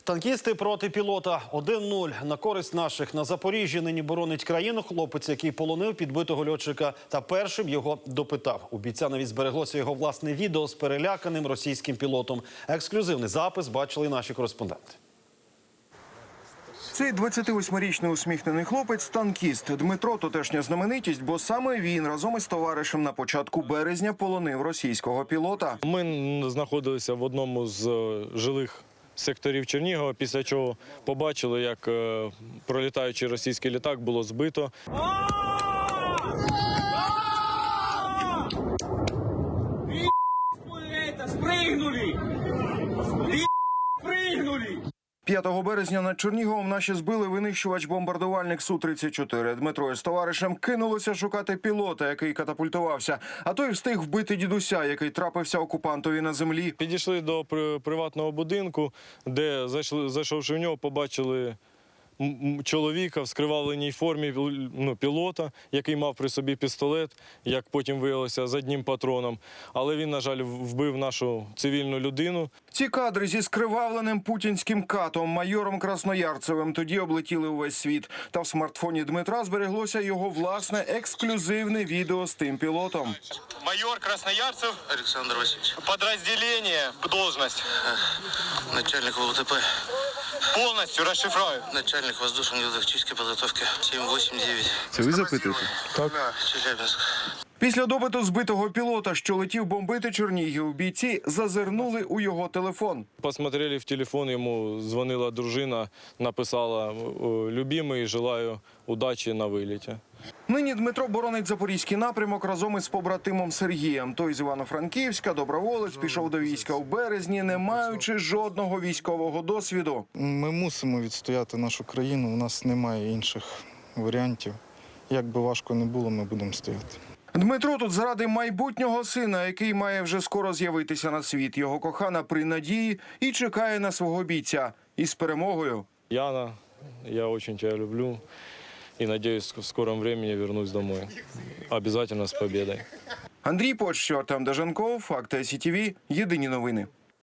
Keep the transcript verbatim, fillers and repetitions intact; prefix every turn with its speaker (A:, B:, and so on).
A: Танкісти проти пілота. один нуль на користь наших. На Запоріжжі нині боронить країну хлопець, який полонив підбитого льотчика та першим його допитав. У бійця навіть збереглося його власне відео з переляканим російським пілотом. Ексклюзивний запис бачили наші кореспонденти.
B: Цей двадцятивосьмирічний усміхнений хлопець – танкіст. Дмитро – тутешня знаменитість, бо саме він разом із товаришем на початку березня полонив російського пілота.
C: Ми знаходилися в одному з жилих секторів Чернігова, після чого побачили, як пролітаючий російський літак було збито.
D: Спригнули! Спригнули!
B: п'ятого березня над Черніговом наші збили винищувач-бомбардувальник Су тридцять чотири. Дмитро із товаришем кинулося шукати пілота, який катапультувався. А той встиг вбити дідуся, який трапився окупантові на землі.
C: Підійшли до приватного будинку, де, зайшовши в нього, побачили чоловіка в скривавленій формі, ну, пілота, який мав при собі пістолет, як потім виявилося, з одним патроном. Але він, на жаль, вбив нашу цивільну людину.
B: Ці кадри зі скривавленим путінським катом, майором Красноярцевим, тоді облетіли увесь світ. Та в смартфоні Дмитра збереглося його власне ексклюзивне відео з тим пілотом.
E: Майор Красноярцев
F: Александр Васильевич.
E: Подразделение, должность.
F: Начальник ВЛТП.
E: Полностью расшифрую.
F: Начальник воздушно-тактической подготовки. сім вісім дев'ять.
B: Це ви запитуєте?
C: Так.
F: Челябинск.
B: Після допиту збитого пілота, що летів бомбити Чернігів, бійці зазирнули у його телефон.
C: Посмотрели в телефон, йому дзвонила дружина, написала: «Любимий, желаю удачі на виліті».
B: Нині Дмитро боронить запорізький напрямок разом із побратимом Сергієм. Той з Івано-Франківська, доброволець, пішов до війська у березні, не маючи жодного військового досвіду.
G: Ми мусимо відстояти нашу країну, у нас немає інших варіантів. Як би важко не було, ми будемо стояти.
B: Дмитро тут заради майбутнього сина, який має вже скоро з'явитися на світ. Його кохана при надії і чекає на свого бійця. Із перемогою.
C: Яна, я очень тебя люблю и надеюсь, в скором времени вернусь домой. Обязательно с победой.
B: Андрій Почтєр, Артем Даженков, Факти СІТВ, єдині новини.